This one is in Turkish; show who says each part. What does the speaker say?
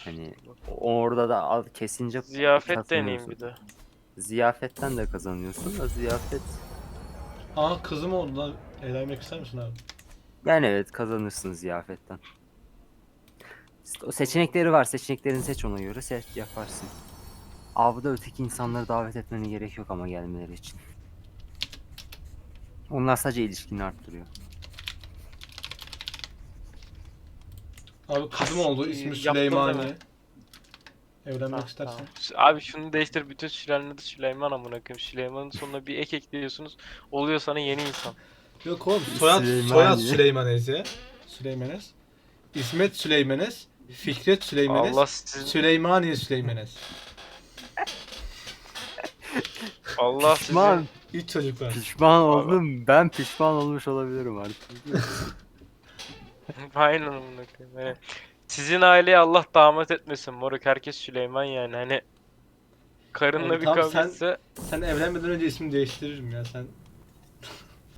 Speaker 1: Hani orada da kesince
Speaker 2: Ziyafet deneyeyim
Speaker 1: kazanıyorsun.
Speaker 2: bir de.
Speaker 1: Ziyafetten de kazanıyorsun da ziyafet.
Speaker 3: Aa kızım oldu lan. Evlenmek ister misin abi?
Speaker 1: Yani evet, kazanırsın ziyafetten. İşte o seçenekleri var. Seçeneklerini seç, ona göre seç yaparsın. Avda öteki insanları davet etmene gerek yok ama gelmeleri için. Onlar sadece ilişkini arttırıyor.
Speaker 3: Abi kızım oldu. İsmi
Speaker 2: Hastiktir. Yaptın değil mi?
Speaker 3: Süleymaniye. Evlenmek
Speaker 2: Ha tamam.
Speaker 3: istersen.
Speaker 2: Abi şunu değiştir, bütün sürenin adı Süleyman amına koyayım. Süleyman'ın sonuna bir ek ekliyorsunuz. Oluyor sana yeni insan.
Speaker 3: Yok oğlum soyad
Speaker 1: Süleymaniye.
Speaker 3: Süleymanes ya. Süleymanes. İsmet Süleymanes. Fikret
Speaker 2: Allah
Speaker 3: Süleymanes.
Speaker 2: sizin
Speaker 3: Süleymaniye Süleymanes.
Speaker 2: Allah
Speaker 1: Pişman.
Speaker 2: sizin
Speaker 3: İç çocuklar.
Speaker 1: Pişman
Speaker 2: abi,
Speaker 1: oldum. Ben pişman olmuş olabilirim artık.
Speaker 2: aynen amına koyayım. Hani sizin aileye Allah damat etmesin moruk, herkes Süleyman yani. Hani
Speaker 3: Abi
Speaker 2: karınla bir
Speaker 3: tamam
Speaker 2: kavga etse
Speaker 3: sen evlenmeden önce ismini değiştiririm ya sen.